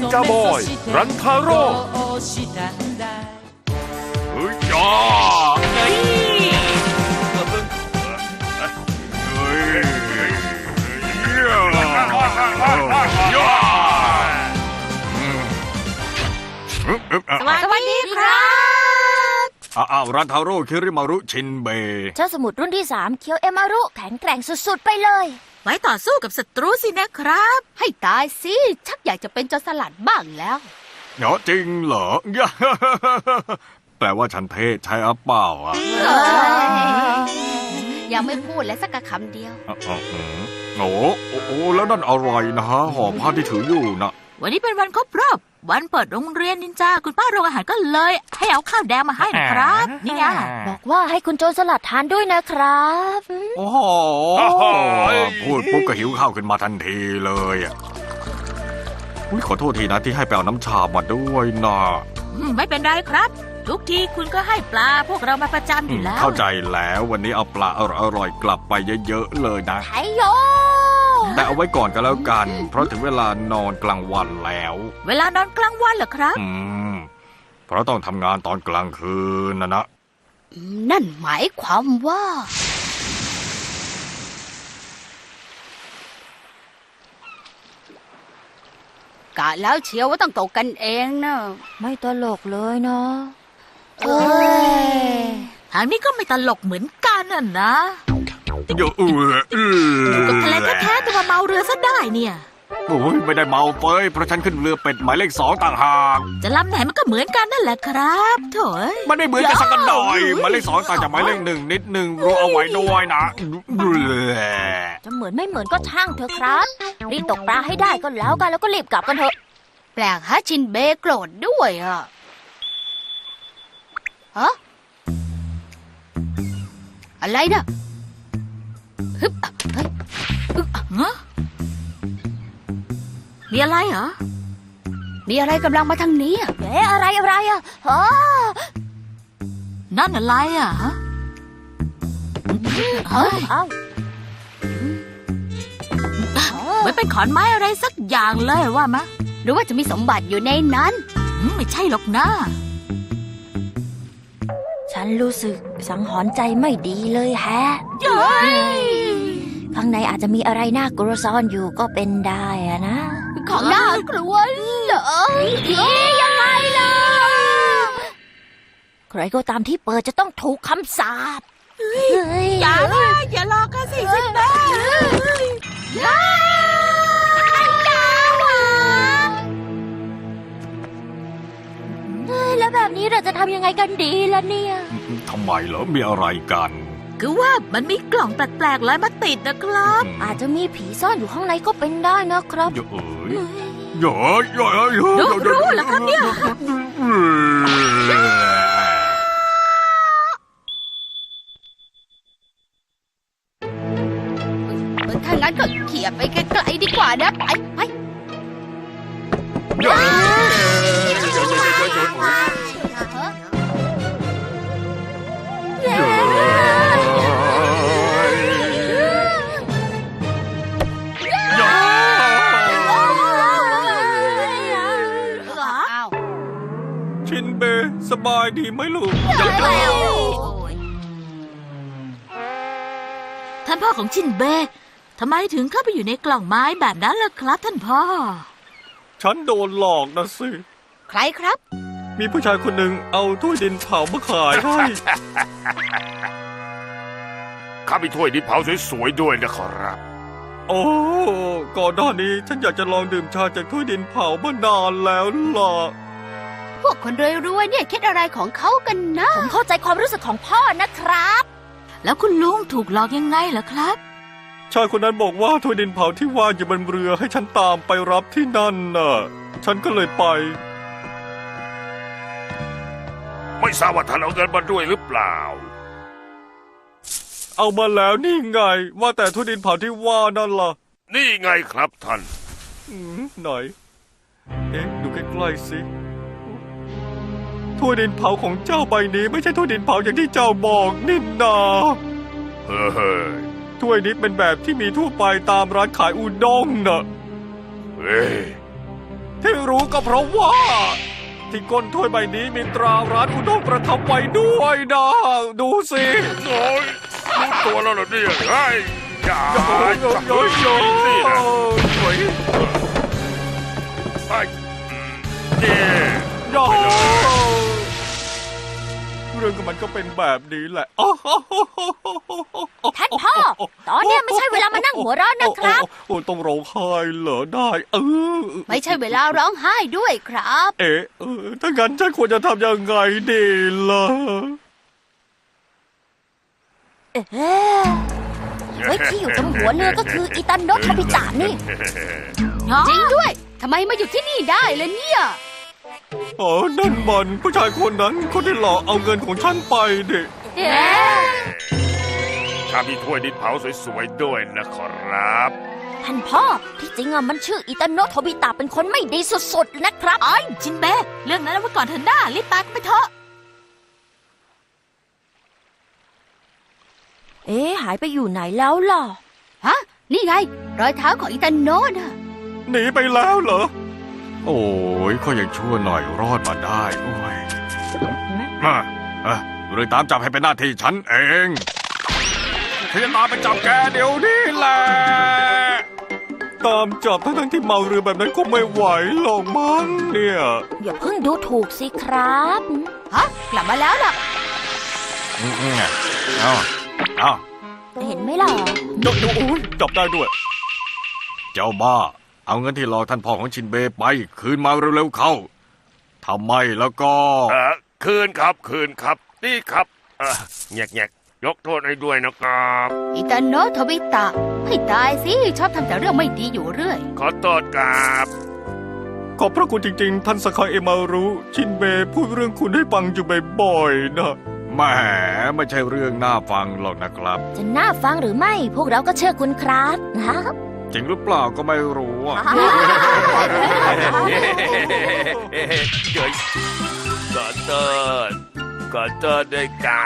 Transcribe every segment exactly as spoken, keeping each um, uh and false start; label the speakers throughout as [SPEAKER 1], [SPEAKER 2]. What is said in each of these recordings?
[SPEAKER 1] นจาบอยรันทาโร่เฮ้ยจ้าเฮ้ยเฮ้ยย่า
[SPEAKER 2] สวัสดีครับ
[SPEAKER 1] อ้าวรันทาโร่คิริมารุชินเบะ
[SPEAKER 2] เจ้าสมุทรรุ่นที่สามเคียวเอมารุแข็งแกร่งสุดๆไปเลย
[SPEAKER 3] ไว้ต่อสู้กับศัตรูสินะครับ
[SPEAKER 4] ให้ตายสิชักอยากจะเป็นโจรสลัดบ้างแล้ว
[SPEAKER 1] เหรอจริงเหรอ แปลว่าฉันเทศใช่อ่ะเปล่าอ่ะ
[SPEAKER 4] ยังไม่พูดเลยสักคำเดียว
[SPEAKER 1] อ๋ออืมโอ้โอ้โอ้แล้วนั่นอะไรนะฮะห่อผ้าที่ถืออยู่นะ
[SPEAKER 3] วันนี้เป็นวันครบรอบวันเปิดโรงเรียนนินจาคุณป้าโรงอาหารก็เลย ให้เอาข้าวแดงมาให้นะครับ นี่ไง
[SPEAKER 2] บอกว่าให้คุณโจรสลัดทานด้วยนะครับ
[SPEAKER 1] โอ้โหพูดปุ๊บก็หิวข้าวขึ้นมาทันทีเลยอ่ะอุ๊ยขอโทษทีนะที่ให้ไปเอาน้ำชามาด้วยนะ
[SPEAKER 3] อืมไม่เป็นไรครับ ทุกทีคุณก็ให้ปลาพวกเรามาประจำอยู่แล้ว
[SPEAKER 1] เข้าใจแล้ววันนี้เอาปลาอร่อยๆกลับไปเยอะๆเลยนะ
[SPEAKER 2] ไทโย
[SPEAKER 1] แต่เอาไว้ก่อนก็แล้วกัน เพราะถึงเวลานอนกลางวันแล้ว
[SPEAKER 3] เวลานอนกลางวันเหรอครับ
[SPEAKER 1] อืมเพราะต้องทำงานตอนกลางคืนนะนะ
[SPEAKER 4] นั่นหมายความว่า กะแล้วเชียวว่าต้องตกกันเองนะ
[SPEAKER 2] ไม่ตลกเลยเนาะ
[SPEAKER 4] เอ้ย
[SPEAKER 3] ทางนี้ก็ไม่ตลกเหมือนกันน่ะนะ
[SPEAKER 1] เยอะเออเออ
[SPEAKER 3] กับทะเลแท้ๆแต่มาเมาเรือซะได้เนี่ย
[SPEAKER 1] โอ้ยไม่ได้เมาเฟ้ยเพราะฉันขึ้นเรือเป็ดหมายเลขสองต่างหาก
[SPEAKER 3] จะลำไหนมันก็เหมือนกันนั่นแหละครับโถ่เอ้ย
[SPEAKER 1] มันไม่เหมือนกันสักหน่อยหมายเลขสองต่างจากหมายเลขหนึ่งนิดหนึ่งรู้เอาไว้ด้วยนะ
[SPEAKER 2] จะเหมือนไม่เหมือนก็ช่างเถอะครับรีบตกปลาให้ได้ก็แล้วกันแล้วก็รีบกลับกันเถอะ
[SPEAKER 4] แปลกฮะชินเบะโกรธด้วยอ่ะฮะอะไรนะฮึบเฮ้ยอึ๊บ
[SPEAKER 3] ฮะมีอะไรเหรอ
[SPEAKER 4] มีอะไรกำลังมาทางนี้อะ
[SPEAKER 2] เอ๊ะอะไรอะไรอ่ะฮะ
[SPEAKER 3] นั่นอะไรอ่ะฮะเฮ้ย
[SPEAKER 2] เอ้า
[SPEAKER 3] เหมือนเป็นขอนไม้อะไรสักอย่างเลยว่ามะ
[SPEAKER 4] หรือว่าจะมีสมบัติอยู่ในนั้น
[SPEAKER 3] อืมไม่ใช่หรอกนะ
[SPEAKER 2] ฉันรู้สึกสังหรณ์ใจไม่ดีเลยแฮะข้างในอาจจะมีอะไรน่ากลัวซ่อนอยู่ก็เป็นได้อะนะ
[SPEAKER 4] ของน่ากลัวเหรอ
[SPEAKER 2] เอ๊ะยังไงล่ะใครก็ตามที่เปิดจะต้องถูกคำสาปเฮ้ย
[SPEAKER 3] อย่าเลยอย่าหลอกกันสิสิแม่
[SPEAKER 2] เฮ้ยแล้วแบบนี้เราจะทำยังไงกันดีล่ะเนี่ย
[SPEAKER 1] ทำไมเหรอมีอะไรกัน
[SPEAKER 3] คือว่ามันมีกล่องแปลกๆลอยมาติดนะครับ
[SPEAKER 2] อาจจะมีผีซ่อนอยู่ข้างในก็เป็นได้นะครับ
[SPEAKER 1] เยอะเอ้ยเยอะเยอะเยอะ
[SPEAKER 3] รู้รู้เหรอครับเนี่ย
[SPEAKER 4] ถ้างั้นก็เขี่ยไปไกลๆดีกว่านะไปไป
[SPEAKER 1] เยอะชินเบสบายดีไหมลูก
[SPEAKER 3] ท่านพ่อของชินเบะทำไมถึงเข้าไปอยู่ในกล่องไม้แบบนั้นล่ะครับท่านพ่อ
[SPEAKER 1] ฉันโดนหลอกนะสิ
[SPEAKER 4] ใครครับ
[SPEAKER 1] มีผู้ชายคนหนึ่งเอาถ้วยดินเผามาขายให้
[SPEAKER 5] ข้ามีถ้วยดินเผาสวยๆด้วยนะขอรับ
[SPEAKER 1] โอ้ก่อนหน้านี้ฉันอยากจะลองดื่มชาจากถ้วยดินเผามานานแล้วล่ะ
[SPEAKER 4] พวกคนรวยๆเนี่ยคิดอะไรของเขากันนะ
[SPEAKER 2] ผมเข้าใจความรู้สึกของพ่อนะครับ
[SPEAKER 3] แล้วคุณลุงถูกหลอกยังไงเหรอครับ
[SPEAKER 1] ชายคนนั้นบอกว่าถ้วยดินเผาที่ว่างอยู่บนเรือให้ฉันตามไปรับที่นั่นน่ะ ฉันก็เลยไป
[SPEAKER 5] ไม่ทราบว่าท่านเอาเงินมาด้วยหรือเปล่า
[SPEAKER 1] เอามาแล้วนี่ไง ว่าแต่ถ้วยดินเผาที่ว่านั่นล่ะ
[SPEAKER 5] นี่ไงครับท่าน
[SPEAKER 1] อืมไหน เอ๊ะดูใกล้ๆสิถ้วยดินเผาของเจ้าใบนี้ไม่ใช่ถ้วยดินเผาอย่างที่เจ้าบอกนี่นา
[SPEAKER 5] เฮ้อเฮ้ย
[SPEAKER 1] ถ้วยนี้เป็นแบบที่มีทั่วไปตามร้านขายอุด้งน่ะ
[SPEAKER 5] เฮ้ย
[SPEAKER 1] ที่รู้ก็เพราะว่า ที่ก้นถ้วยใบนี้มีตราร้านอุด้งประทับไว้ด้วยนะดูสิ
[SPEAKER 5] โอ้ยรู้ตัวแล้วเหรอเนี่ยไอ้ยอย่า
[SPEAKER 1] โอ้ย
[SPEAKER 5] จับ
[SPEAKER 1] โอ้
[SPEAKER 5] เลย
[SPEAKER 1] โอ้ย
[SPEAKER 5] นี่นะ
[SPEAKER 1] โอ้ย
[SPEAKER 5] ไอ้อืมนี่
[SPEAKER 1] โอ้ยเรื่องกับมันก็เป็นแบบนี้แหละ
[SPEAKER 2] ท่านพ่อ ตอนเนี้ยไม่ใช่เวลามานั่งหัวเราะนะครับ
[SPEAKER 1] โอ้โอ้ต้องร้องไห้เหรอได้ เออ
[SPEAKER 4] ไม่ใช่เวลาร้องไห้ด้วยครับ
[SPEAKER 1] เอ๊ะเออถ้างั้นฉันควรจะทำยังไงดีล่ะ
[SPEAKER 2] เอ๊ะเฮ้ยที่อยู่ตรงหัวเรือก็คืออิตาโนะทาบิตะนี่
[SPEAKER 4] จริงด้วยทำไมมาอยู่ที่นี่ได้เลยเนี่ย
[SPEAKER 1] อ๋อ นั่นมันผู้ชายคนนั้นคนที่หลอกเอาเงินของฉันไปดิ
[SPEAKER 2] เอ๊ะ
[SPEAKER 5] ถ้ามีถ้วยดินเผาสวยๆด้วยนะครับ
[SPEAKER 2] ท่านพ่อที่จริงอะมันชื่ออิตาโนะทาบิตะเป็นคนไม่ดีสุดๆนะครับ
[SPEAKER 3] ไอ้ยชินเบะเรื่องนั้นเอาไว้ก่อนเถอะหน้ารีบตายกันไปเถอะ
[SPEAKER 2] เอ๊ะหายไปอยู่ไหนแล้วล่ะ
[SPEAKER 4] ฮะ นี่ไง รอยเท้าของอิตาโนะน่ะ
[SPEAKER 1] หนีไปแล้วเหรอ โอ้ยก็ยังชั่วหน่อยรอดมาได้โอ้ยมาเอ่ะเรื่องตามจับให้เป็นหน้าที่ฉันเองฉันจะตามไปจับแกเดี๋ยวนี้แหละ ตามจับทั้งๆที่เมาเรือแบบนั้นก็ไม่ไหวหรอกมั้งเนี่ย
[SPEAKER 2] อย่าเพิ่งดูถูกสิครับ
[SPEAKER 3] ฮะ กลับมาแล้วล่ะ
[SPEAKER 1] อืมเอาเอา
[SPEAKER 2] เห็นไหมล่ะ
[SPEAKER 1] เดี๋ยวเดี๋ยวโอ้ยจับได้ด้วย เจ้าบ้า เอาเงินที่หลอกท่านพ่อของชินเบะไปคืนมาเร็วๆเข้าทำไมแล้วก็
[SPEAKER 5] เออคืนครับคืนครับ นี่ครับเออแงกแงกยกโทษให้ด้วยนะครับ
[SPEAKER 4] อิตาโนะทาบิตะให้ตายสิชอบทำแต่เรื่องไม่ดีอยู่เรื่อย
[SPEAKER 5] ขอโทษครับ
[SPEAKER 1] ขอบพระคุณจริงๆ ท่านสคายเอมารุชินเบะพูดเรื่องคุณให้ฟังอยู่บ่อยๆนะแหมไม่ใช่เรื่องน่าฟังหรอกนะครับ
[SPEAKER 2] จะน่าฟังหรือไม่ พวกเราก็เชื่อคุณครับนะ
[SPEAKER 1] จริงหรือเปล่าก็ไม่รู้อะ
[SPEAKER 5] เดี๋ยวขอโทษขอโทษด้วยครับ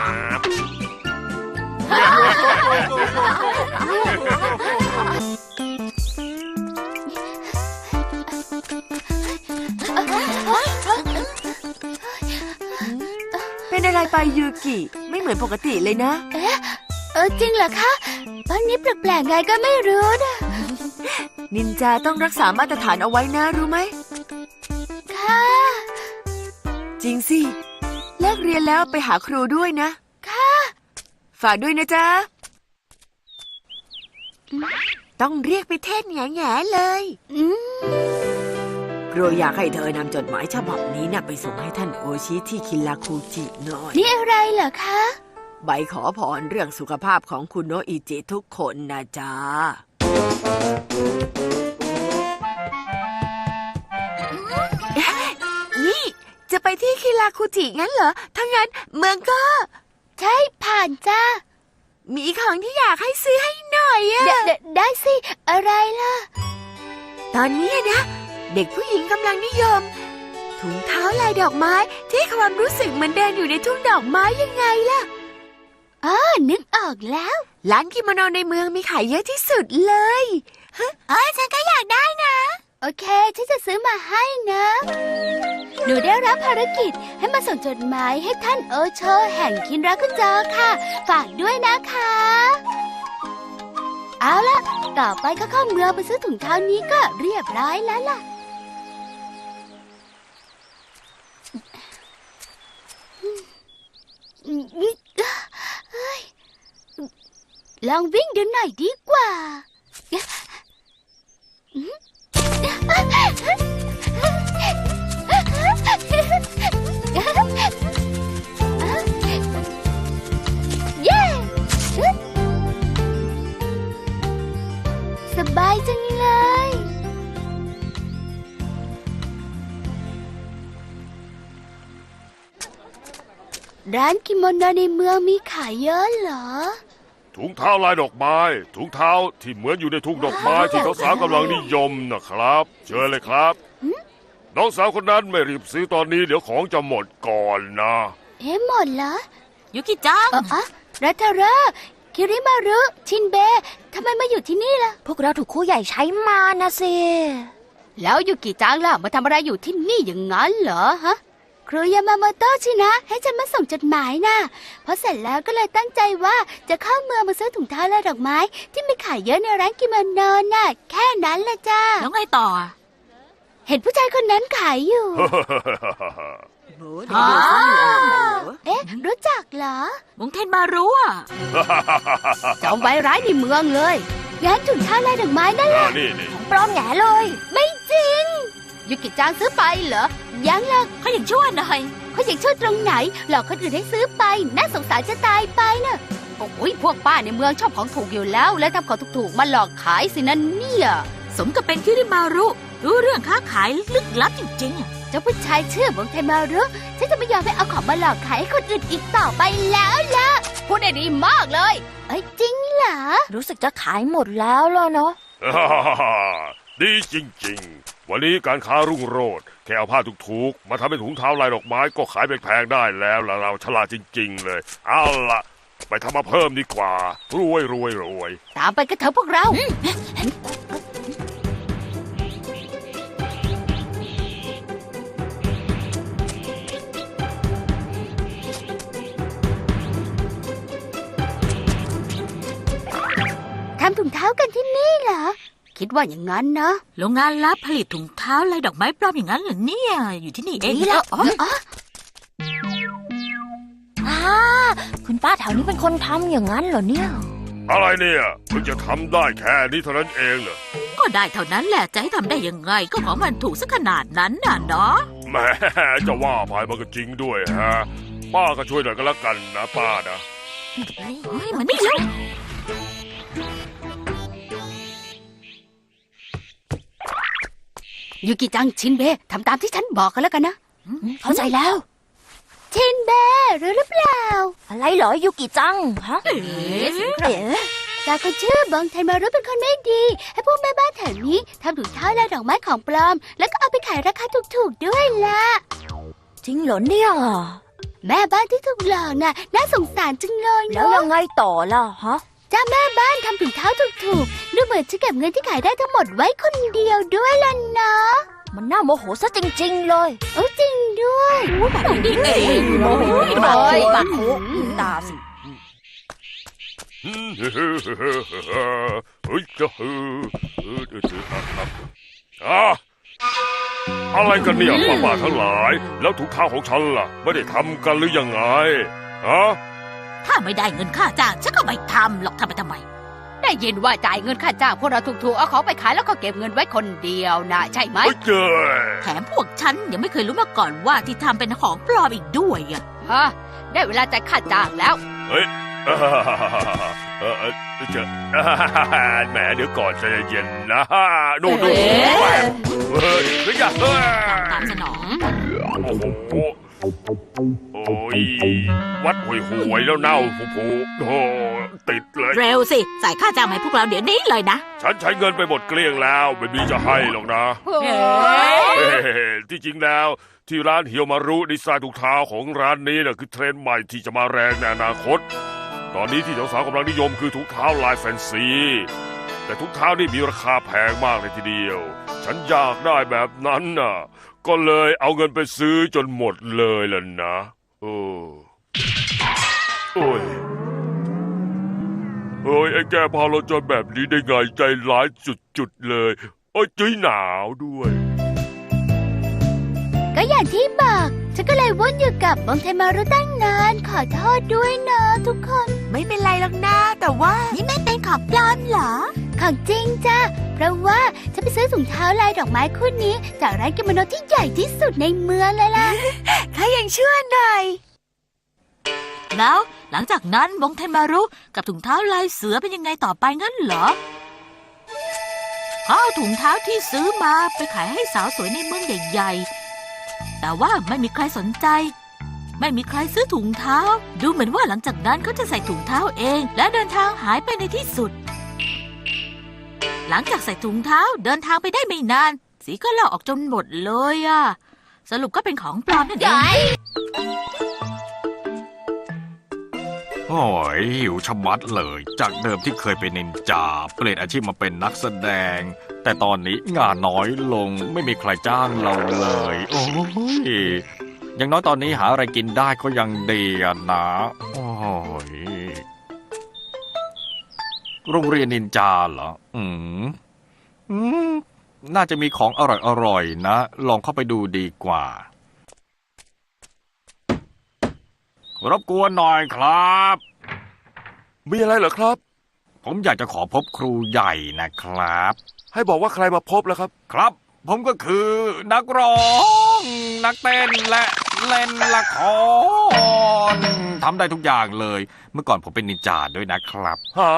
[SPEAKER 6] เป็นอะไรไปยูกิ ไม่เหมือนปกติเลยนะ
[SPEAKER 4] เออจริงเหรอคะตอนนี้แปลกๆไงก็ไม่รู้นะ
[SPEAKER 6] นินจาต้องรักษามาตรฐานเอาไว้นะรู้ไหม
[SPEAKER 4] ค่ะ
[SPEAKER 6] จริงสิเลิกเรียนแล้วไปหาครูด้วยนะ
[SPEAKER 4] ค่ะ
[SPEAKER 6] ฝากด้วยนะจ๊ะ ต้องเรียกไปเทศแง่ๆเลย
[SPEAKER 4] อืม
[SPEAKER 6] ครูอยากให้เธอนำจดหมายฉบับนี้นะไปส่งให้ท่านโอชิที่คิราคุจิหน่อย
[SPEAKER 4] นี่อะไรเหรอคะ
[SPEAKER 6] ใบขอพรเรื่องสุขภาพของคุณโนอิจิทุกคนนะจ๊ะ นี่จะไปที่คิราคุจิงั้นเหรอ ถ้างั้นเมืองก็
[SPEAKER 4] ใช่ผ่านจ้า
[SPEAKER 6] มีของที่อยากให้ซื้อให้หน่อยอะ
[SPEAKER 4] เดเดได้สิ อะไรล่ะ
[SPEAKER 6] ตอนนี้นะ เด็กผู้หญิงกำลังนิยม ถุงเท้าลายดอกไม้ที่ให้ความรู้สึกเหมือนเดินอยู่ในทุ่งดอกไม้ยังไงล่ะ
[SPEAKER 4] อ๋อ นึกออกแล้ว
[SPEAKER 6] ร้านกิโมโนในเมืองมีขายเยอะที่สุดเลยเอ้ยฉันก็อยากได้นะ
[SPEAKER 4] โอเค ฉันจะซื้อมาให้นะ หนูได้รับภารกิจให้มาส่งจดหมายให้ท่านโอโชแห่งคินรักุจอค่ะ ฝากด้วยนะคะ เอาล่ะ ต่อไปก็เข้าเมืองไปซื้อถุงเท้านี้ก็เรียบร้อยแล้วล่ะ เฮ้ยลองวิ่งดูหน่อยดีกว่า เย้ สบายจังเลย ร้านกิโมโนในเมืองมีขายเยอะเหรอ
[SPEAKER 5] ถุงเท้าลายดอกไม้ ถุงเท้าที่เหมือนอยู่ในทุ่งดอกไม้ที่เขาสาวกำลังนิยมนะครับ เชิญเลยครับ น้องสาวคนนั้นไม่รีบซื้อตอนนี้เดี๋ยวของจะหมดก่อนนะ
[SPEAKER 4] เอ๊ะหมดเหรอ
[SPEAKER 3] ยุกิจัง
[SPEAKER 4] เอออะรัตาระคิริมารุ ชินเบะทำไมมาอยู่ที่นี่ล่ะ
[SPEAKER 2] พวกเราถูกครูใหญ่ใช้มานะสิ
[SPEAKER 4] แล้วยูกิจังล่ะมาทำอะไรอยู่ที่นี่อย่างนั้นเหรอฮะครูยามาโมโตะชินะ ให้ฉันมาส่งจดหมายนะพอเสร็จแล้วก็เลยตั้งใจว่าจะเข้าเมืองมาซื้อถุงเท้าและดอกไม้ ที่มีขายเยอะในร้านกิโมโนน่ะแค่นั้นละจ้า
[SPEAKER 3] แล้วไงต่อ
[SPEAKER 4] เห็นผู้ชายคนนั้นขายอยู่
[SPEAKER 3] อ๋อ
[SPEAKER 4] เอ๊ะ รู้จักเหรอ
[SPEAKER 3] มงเทนมารู้อ่ะ
[SPEAKER 4] จอมไว้ร้ายในเมืองเลยงั้นถุงเท้าลายดอกไม้นั่นแหละ
[SPEAKER 5] อ่านี่นี่
[SPEAKER 2] ปลอมแหง่เลย
[SPEAKER 4] ไม่จริงยูกิจังซื้อไปเหรอยังหรอก
[SPEAKER 3] เขายังชั่วหน่อย
[SPEAKER 4] เขาอยากช่วยตรงไหนหลอกคนอื่นให้ซื้อไปน่าสงสารจะตายไปน่ะโอ้ยพวกป้าในเมืองชอบของถูกอยู่แล้ว และทำของถูกๆมาหลอกขายสินั่นเนี่ย
[SPEAKER 3] สมกับเป็นคิริมารุรู้เรื่องค้าขายลึกลับจริงๆอ่ะ
[SPEAKER 4] เจ้าผู้ชายเชื่อบงเทมารุฉันจะไม่ยอมให้เอาของมาหลอกขายให้คนอื่นอีกต่อไปแล้วล่ะพูดได้ดีมากเลยเอ้ยจริงเหรอ
[SPEAKER 2] รู้สึกจะขายหมดแล้วล่ะเนาะ
[SPEAKER 5] ดีจริงๆ วันนี้การค้ารุ่งโรจน์แค่เอาผ้าถูกๆมาทำเป็นถุงเท้าลายดอกไม้ก็ขายแพงๆได้แล้วล่ะเราฉลาดจริงๆเลยเอาล่ะไปทำมาเพิ่มดีกว่ารวยรวยรวย
[SPEAKER 4] ตามไปกันเถอะพวกเรา ทำถุงเท้ากันที่นี่เหรอ คิดว่าอย่างนั้นนะ
[SPEAKER 3] โรงงานลับผลิตถุงเท้าลายดอกไม้ปลอมอย่างนั้นเหรอเนี่ย อยู่ที่นี่เอง
[SPEAKER 2] นี่แหละ
[SPEAKER 3] อ๋อ
[SPEAKER 2] อ่าคุณป้าแถวนี้เป็นคนทำอย่างนั้นเหรอเนี่ย
[SPEAKER 5] อะไรเนี่ยเพิ่งจะทำได้แค่นี้เท่านั้นเองเหรอ
[SPEAKER 3] ก็ได้เท่านั้นแหละจะให้ทำได้ยังไงก็ของมันถูกสักขนาดนั้นน่ะเนาะ
[SPEAKER 5] แหมจะว่าไปมันก็จริงด้วยฮะป้าก็ช่วยหน่อยก็แล้วกันนะป้านะ
[SPEAKER 3] เฮ้ยมันไม่ใช่
[SPEAKER 4] ยูกิจังชินเบะทำตามที่ฉันบอกกันแล้วกันนะ
[SPEAKER 2] เข้าใจแล้ว
[SPEAKER 4] ชินเบะรู้หรือเปล่า
[SPEAKER 2] อะไรเหรอยูกิจังฮะ
[SPEAKER 3] เอ๊ะ
[SPEAKER 2] เอ๋
[SPEAKER 4] จากคนชื่อบองเทนมารุเป็นคนไม่ดี ให้พวกแม่บ้านแถวนี้ทำถุงเท้าลายดอกไม้ของปลอม แล้วก็เอาไปขายราคาถูกๆด้วยล่ะ
[SPEAKER 2] จริงเหรอเนี่ย
[SPEAKER 4] แม่บ้านที่ถูกหลอกน่ะน่าสงสารจังเลย
[SPEAKER 2] แล้ว
[SPEAKER 4] เนาะ
[SPEAKER 2] ยังไงต่อล่ะฮะ
[SPEAKER 4] จ้าแม่บ้านทำถุงเท้าถูกๆดูเหมือนจะเก็บเงินที่ขายได้ทั้งหมดไว้คนเดียวด้วยล่ะเนาะ
[SPEAKER 2] มันน่าโมโหซะจริง ๆ เลย
[SPEAKER 4] โอ้จริงด้วย
[SPEAKER 3] แบบนี้เอง
[SPEAKER 2] โอ้โห
[SPEAKER 3] บา
[SPEAKER 2] บา
[SPEAKER 3] โค
[SPEAKER 2] โค
[SPEAKER 3] บา
[SPEAKER 2] บา
[SPEAKER 3] โค
[SPEAKER 2] โคตาสิ
[SPEAKER 5] เฮ้ยจะเออเออเอออ่ะอะไรกันเนี่ยป้าๆทั้งหลาย แล้วถุงเท้าของฉันล่ะ ไม่ได้ทำกันหรือยังไงฮะ
[SPEAKER 3] ถ้าไม่ได้เงินค่าจ้างฉันก็ไม่ทำหรอกทำไปทำไม
[SPEAKER 4] ได้ยินว่าจ่ายเงินค่าจ้างพวกเราถูกๆเอาของไปขายแล้วก็เก็บเงินไว้คนเดียวนะใช่ไหม
[SPEAKER 5] เฮ้ยเจ้ย
[SPEAKER 3] แถมพวกฉันยังไม่เคยรู้มาก่อนว่าที่ทำเป็นของปลอมอีกด้วยอ่ะ
[SPEAKER 4] ฮะได้เวลาจ่ายค่าจ้างแล้ว
[SPEAKER 5] เฮ้ยเออเออเออเจ้าแหมเดี๋ยวก่อนใจเย็นนะดูดูแหมเฮ้ยเฮ้ยอย่าเฮ้ย
[SPEAKER 3] ตามสนอง
[SPEAKER 5] โอ้โหโอ้ยวัดห่วยห่วยแล้วเน่าผู้ผู้โอ้ติดเลย
[SPEAKER 3] เร็วสิจ่ายค่าจ้างมาให้พวกเราเดี๋ยวนี้เลยนะ
[SPEAKER 5] ฉันใช้เงินไปหมดเกลี้ยงแล้วไม่มีจะให้หรอกนะ
[SPEAKER 3] เฮ้ย
[SPEAKER 5] เฮ้ที่จริงแล้วที่ร้านเฮียวมารุดีไซน์ถุงเท้าของร้านนี้นะคือเทรนด์ใหม่ที่จะมาแรงในอนาคต ตอนนี้ที่สาวๆกำลังนิยมคือถุงเท้าลายแฟนซีแต่ถุงเท้านี่มีราคาแพงมากเลยทีเดียว ฉันอยากได้แบบนั้นน่ะ ก็เลยเอาเงินไปซื้อจนหมดเลยล่ะนะโอ้โอ้ยเฮ้ยไอ้แกพาเราจนแบบนี้ได้ไงใจร้ายจุดๆเลยโอ้ยจุ้ยหนาวด้วย
[SPEAKER 4] ก็อย่างที่บอกฉันก็เลยวนอยู่กับบองเทนมารุตั้งนานขอโทษด้วยนะทุกคน
[SPEAKER 6] ไม่เป็นไรหรอกนะแต่ว่า
[SPEAKER 3] นี่ไม่เป็นของปลอมเหรอ
[SPEAKER 4] ของจริงจ้ะเพราะว่าฉันไปซื้อถุงเท้าลายดอกไม้คู่นี้จากร้านกิโมโนที่ใหญ่ที่สุดในเมืองเลยล่ะ
[SPEAKER 6] ถ้ายังเชื่อหน่อย
[SPEAKER 3] แล้วหลังจากนั้นบงเทนมารุกับถุงเท้าลายเสือเป็นยังไงต่อไปงั้นเหรอเขาเอาถุงเท้าที่ซื้อมาไปขายให้สาวสวยในเมืองใหญ่ๆแต่ว่าไม่มีใครสนใจ ไม่มีใครซื้อถุงเท้า ดูเหมือนว่าหลังจากนั้นเขาจะใส่ถุงเท้าเอง และเดินทางหายไปในที่สุด หลังจากใส่ถุงเท้าเดินทางไปได้ไม่นาน สีก็ลอกออกจนหมดเลยอะสรุปก็เป็นของปลอมนั่นเอง
[SPEAKER 1] โโอ้ยหิวชะมัดเลย จากเดิมที่เคยเป็นนินจาเปลี่ยนอาชีพมาเป็นนักแสดง แต่ตอนนี้งานน้อยลงไม่มีใครจ้างเราเลย โอ้ยอย่างน้อยตอนนี้หาอะไรกินได้ก็ยังดีอะนะโอ้ยโรงเรียนนินจาเหรออืมอืมน่าจะมีของอร่อยๆนะ ลองเข้าไปดูดีกว่ารบกวนหน่อยครับ
[SPEAKER 5] มีอะไรเหรอครับ
[SPEAKER 1] ผมอยากจะขอพบครูใหญ่นะครับ
[SPEAKER 5] ให้บอกว่าใครมาพบแล้วครับ
[SPEAKER 1] ครับ ผมก็คือนักร้อง นักเต้นและเล่นละครทำได้ทุกอย่างเลย เมื่อก่อนผมเป็นนินจาด้วยนะครับ
[SPEAKER 5] หา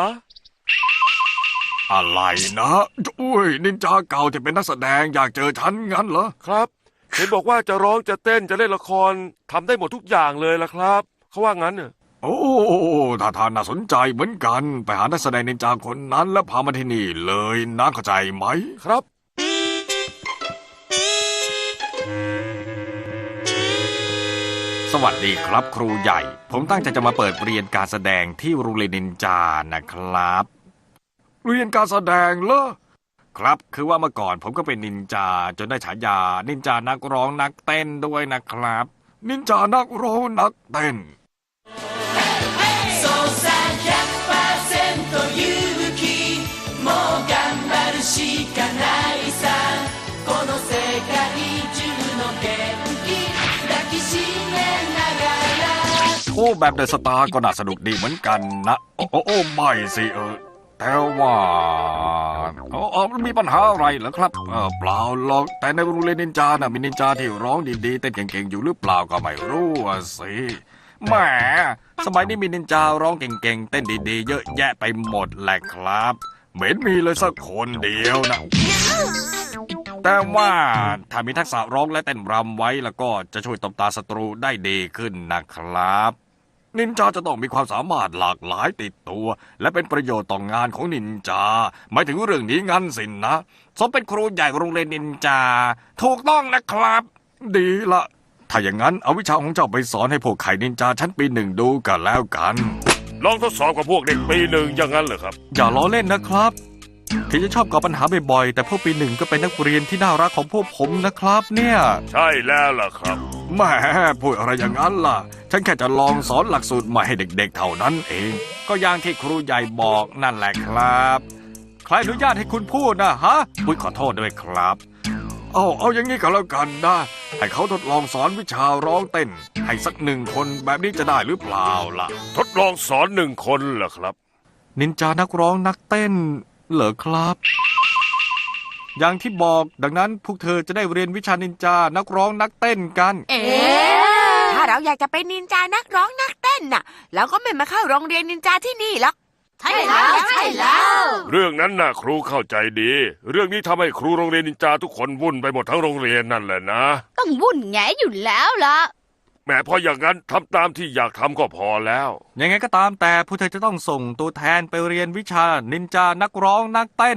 [SPEAKER 1] อะไรนะอุ้ยนินจาเก่าที่เป็นนักแสดงอยากเจอฉันงั้นเหรอ
[SPEAKER 5] ครับ เห็นบอกว่าจะร้องจะเต้นจะเล่นละครทำได้หมดทุกอย่างเลยล่ะครับเขาว่างั้นเนี่ย
[SPEAKER 1] โอ้ท่าทางน่าสนใจเหมือนกัน ไปหานักแสดงนินจาคนนั้นแล้วพามาที่นี่เลยนะเข้าใจไหม
[SPEAKER 5] ครับ
[SPEAKER 1] สวัสดีครับครูใหญ่ ผมตั้งใจจะมาเปิดเรียนการแสดงที่โรงเรียนนินจานะครับ เรียนการแสดงเหรอครับคือว่าเมื่อก่อนผมก็เป็นนินจาจนได้ฉายานินจานักร้องนักเต้นด้วยนะครับ นินจานักร้องนักเต้นโอ้แบบเดอะสตาร์ก็น่าสนุกดีเหมือนกันนะโอ้โอ้โอ้ไม่สิเออแต่ว่าอ๋อมันมีปัญหาอะไรเหรอครับเออเปล่าหรอกแต่ในโรงเรียนนินจาน่ะมีนินจาที่ร้องดีๆเต้นเก่งๆอยู่หรือเปล่าก็ไม่รู้อะสิแหมสมัยนี้มีนินจาร้องเก่งๆเต้นดีๆเยอะแยะไปหมดแหละครับเหม็นมีเลยสักคนเดียวนะแต่ว่าถ้ามีทักษะร้องและเต้นรำไว้แล้วก็จะช่วยตบตาศัตรูได้ดีขึ้นนะครับนินจาจะต้องมีความสามารถหลากหลายติดตัวและเป็นประโยชน์ต่องงานของนินจาหมายถึงเรื่องนี้งั้นสินนะสมเป็นครูใหญ่โรงเรียนนินจาถูกต้องนะครับดีละถ้าอย่างนั้นเอาวิชาของเจ้าไปสอนให้พวกไข่นินจาชั้นปีหนึ่งดูกันแล้วกัน
[SPEAKER 5] ลองทดสอบกับพวกเด็กปีหนึ่งอย่างนั้นเหรอครับ
[SPEAKER 1] อย่าล้อเล่นนะครับถึงจะชอบก่อปัญหาบ่อยๆแต่พวกปีหนึ่งก็เป็นนักเรียนที่น่ารักของพวกผมนะครับเนี่ย
[SPEAKER 5] ใช่แล้วล่ะครับ
[SPEAKER 1] แหมพูดอะไรอย่างนั้นล่ะฉันแค่จะลองสอนหลักสูตรใหม่ให้เด็กๆเท่านั้นเองก็อย่างที่ครูใหญ่บอกนั่นแหละครับใครอนุญาตให้คุณพูดนะฮะอุ๊ยขอโทษด้วยครับเอาเอาอย่างนี้ก็แล้วกันนะให้เขาทดลองสอนวิชาร้องเต้นให้สักหนึ่งคนแบบนี้จะได้หรือเปล่าล่ะ
[SPEAKER 5] ทดลองสอนหนึ่งคนเหรอครับ
[SPEAKER 1] นินจานักร้องนักเต้นเหรอครับอย่างที่บอกดังนั้นพวกเธอจะได้เรียนวิชานินจานักร้องนักเต้นกัน
[SPEAKER 6] เอ๊ะถ้าเราอยากจะเป็นนินจานักร้องนักเต้นน่ะเราก็ไม่มาเข้าโรงเรียนนินจาที่นี่หรอก
[SPEAKER 4] ใช่แล้วใช่แล้ว
[SPEAKER 5] เรื่องนั้นน่ะครูเข้าใจดีเรื่องนี้ทำให้ครูโรงเรียนนินจาทุกคนวุ่นไปหมดทั้งโรงเรียนนั่นแหละนะ
[SPEAKER 4] ต้องวุ่นแงอยู่แล้วล่ะ
[SPEAKER 5] แม้พออย่างนั้นทำตามที่อยากทำก็พอแล้ว
[SPEAKER 1] ยังไงก็ตามแต่พวกเธอจะต้องส่งตัวแทนไปเรียนวิชานินจานักร้องนักเต้น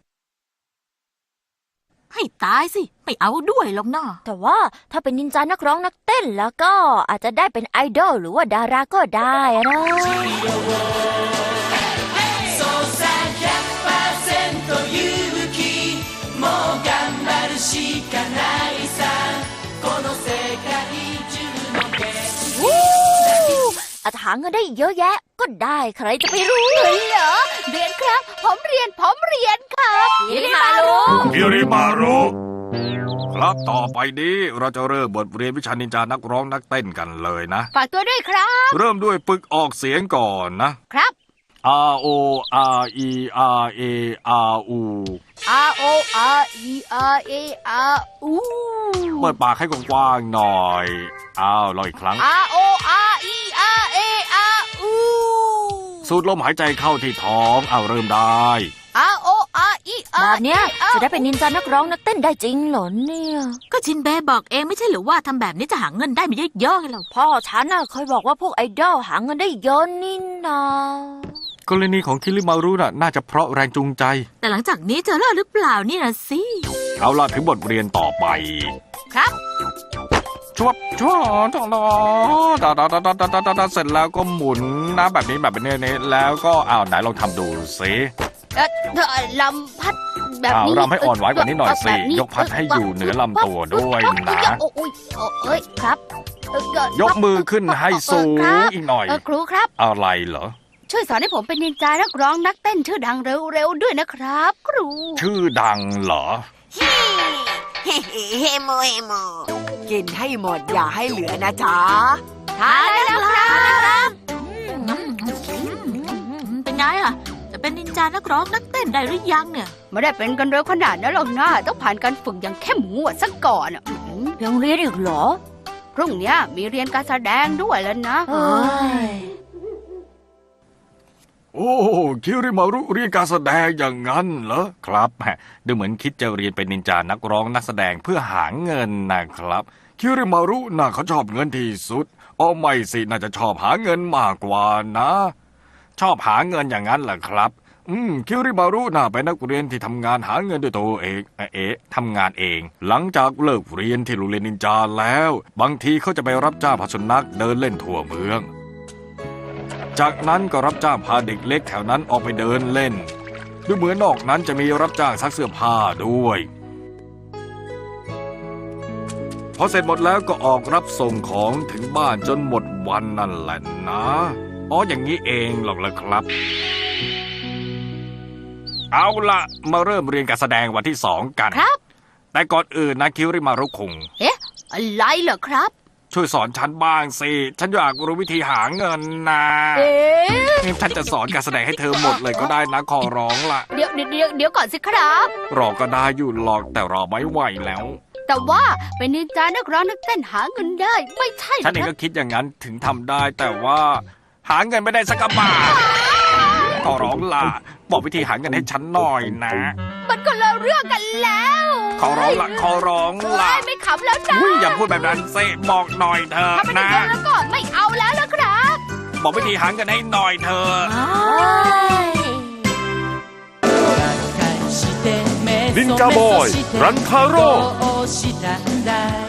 [SPEAKER 3] ให้ตายสิไม่เอาด้วยหรอกนะ
[SPEAKER 2] แต่ว่าถ้าเป็นนินจานักร้องนักเต้นแล้วก็อาจจะได้เป็นไอดอลหรือว่าดาราก็ได้นะอาจหาเงินได้เยอะแยะก็ได้ใครจะไปรู้
[SPEAKER 4] เลยเหรอเรียนครับผมเรียนผมเรียนครับ
[SPEAKER 2] ยิริมารุ
[SPEAKER 1] ยิริมารุครับต่อไปนี้เราจะเริ่มบทเรียนวิชานินจานักร้องนักเต้นกันเลยนะ
[SPEAKER 4] ฝากตัวด้วยครับ
[SPEAKER 1] เริ่มด้วยฝึกออกเสียงก่อนนะครับ R O R E R A R U
[SPEAKER 4] R O R E R A R U
[SPEAKER 1] เปิดปากให้กว้างๆหน่อยอ้าวลองอีกครั้ง
[SPEAKER 4] R O R E R A R U
[SPEAKER 1] สูดลมหายใจเข้าที่ท้องเอาเริ่มได้
[SPEAKER 4] R O R E R
[SPEAKER 2] แบบเนี้ยจะได้เป็นนินจานักร้องนักเต้นได้จริงเหรอเนี่ย
[SPEAKER 3] ก็ชินเบะบอกเองไม่ใช่หรือว่าทำแบบนี้จะหาเงินได้ไม่เยอะๆไงล่ะ
[SPEAKER 2] พ่อฉันน่ะเคยบอกว่าพวกไอดอลหาเงินได้เยอะนี่นะ
[SPEAKER 1] กรณีของคิริมารุน่ะน่าจะเพราะแรงจูงใจ
[SPEAKER 3] แต่หลังจากนี้จะเลิกหรือเปล่านี่นะสิ
[SPEAKER 1] เอาล่ะถึงบทเรียนต่อไป
[SPEAKER 4] ครับ
[SPEAKER 1] ชวบชวบจองดอดาดาดาดาดาดาดาเสร็จแล้วก็หมุนนะแบบนี้แบบนี้นี้แล้วก็อ้าวไหนลองทำดูสิ
[SPEAKER 4] เอ่อเอ่อลำพัดแบบ
[SPEAKER 1] อ้าว
[SPEAKER 4] นี้
[SPEAKER 1] รำให้อ่อนไหวกว่านี้หน่อยสิ
[SPEAKER 4] แบบนี้
[SPEAKER 1] ยกพัดให้อยู่เหนือลำตัวด้วยนะ
[SPEAKER 4] โอ้ยโอ้ยเอ้ยครับเอ่อเอ่อย
[SPEAKER 1] กมือขึ้นให้สูงอีกหน่อย
[SPEAKER 4] เออครูครับ
[SPEAKER 1] อะไรเหรอ
[SPEAKER 4] ช่วยสอนให้ผมเป็นนินจานักร้องนักเต้นชื่อดังเร็วๆด้วยนะครับ ครู
[SPEAKER 1] ชื่อดังเหรอ
[SPEAKER 6] เฮ้เฮโมเฮโมกินให้หมดอย่าให้เหลือนะจ๊ะ
[SPEAKER 4] ทานได้แล้วครับ
[SPEAKER 3] เป็นไงอ่ะ จะเป็นนินจานักร้องนักเต้นได้หรือยังเนี่ย
[SPEAKER 4] ไม่ได้เป็นกันเร็วขนาดนั้นหรอกนะต้องผ่านการฝึกอย่างเข้มงวดซะก่อนอ่ะอืม
[SPEAKER 2] ยังเรียนอีกเหรอ
[SPEAKER 4] พรุ่งเนี้ยมีเรียนการแสดงด้วยแล้วนะ
[SPEAKER 2] เอ้ย
[SPEAKER 1] โอ้คิริมารุเรียนการแสดงอย่างนั้นเหรอครับแหมดูเหมือนคิดจะเรียนเป็นนินจานักร้องนักแสดงเพื่อหาเงินนะครับคิริมารุน่าเขาชอบเงินที่สุดอ๋อไม่สิน่าจะชอบหาเงินมากกว่านะ ชอบหาเงินอย่างนั้นเหรอครับ อืมคิริมารุน่าเป็นนักเรียนที่ทำงานหาเงินด้วยตัวเองเอ๊ะเอ๊ะทำงานเอง หลังจากเลิกเรียนที่โรงเรียนนินจาแล้ว บางทีเขาจะไปรับจ้างพาสุนัขเดินเล่นทั่วเมือง จากนั้นก็รับจ้างพาเด็กเล็กแถวนั้นออกไปเดินเล่นดูเหมือนนอกนั้นจะมีรับจ้างซักเสื้อผ้าด้วย พอเสร็จหมดแล้วก็ออกรับส่งของถึงบ้านจนหมดวันนั่นแหละนะอ๋ออย่างนี้เองหรอกล่ะครับ เอาละมาเริ่มเรียนการแสดงวันที่สองกัน
[SPEAKER 4] ครับ
[SPEAKER 1] แต่ก่อนอื่นนะคิริมารุคุง
[SPEAKER 4] เอ๊ะอะไรเหรอครับ
[SPEAKER 1] ช่วยสอนฉันบ้างสิฉันอยากรู้วิธีหาเงินนะ
[SPEAKER 4] เอ๊ะ
[SPEAKER 1] ฉันจะสอนการแสดงให้เธอหมดเลยก็ได้นะขอร้องละ
[SPEAKER 4] เดี๋ยวเดี๋ยวเดี๋ยวเดี๋ยวก่อนสิครับ
[SPEAKER 1] รอก็ได้อยู่หรอกแต่รอไม่ไหวแล้ว
[SPEAKER 4] แต่ว่าเป็นนินจานักร้องนักเต้นหาเงินได้ ไม่ใช่หร
[SPEAKER 1] ฉันเอง
[SPEAKER 4] ค
[SPEAKER 1] ก็
[SPEAKER 4] รับ
[SPEAKER 1] คิดอย่างนั้นถึงทำได้ แต่ว่า หาเงินไม่ได้สักกะบาทขอร้องล่ะบอกวิธีหาเงินให้ฉันหน่อยนะ
[SPEAKER 4] มันก็เลิกเรื่องกันแล้ว
[SPEAKER 1] ขอร้องละขอร้อง
[SPEAKER 4] เอ้
[SPEAKER 1] ละ
[SPEAKER 4] ยไม่ขำแล้วจ้า
[SPEAKER 1] อุ้ยอย่าพูดแบบนั้นเซบอกหน่อยเถอะ
[SPEAKER 4] ถ้าไม่ได้
[SPEAKER 1] นะ
[SPEAKER 4] เงินแล้วก็ไม่เอาแล้วละครับ
[SPEAKER 1] บอกวิธีหาเงินให้หน่อยเถอะ
[SPEAKER 5] นินจาบอยรันทาโร่
[SPEAKER 7] どうしたんだい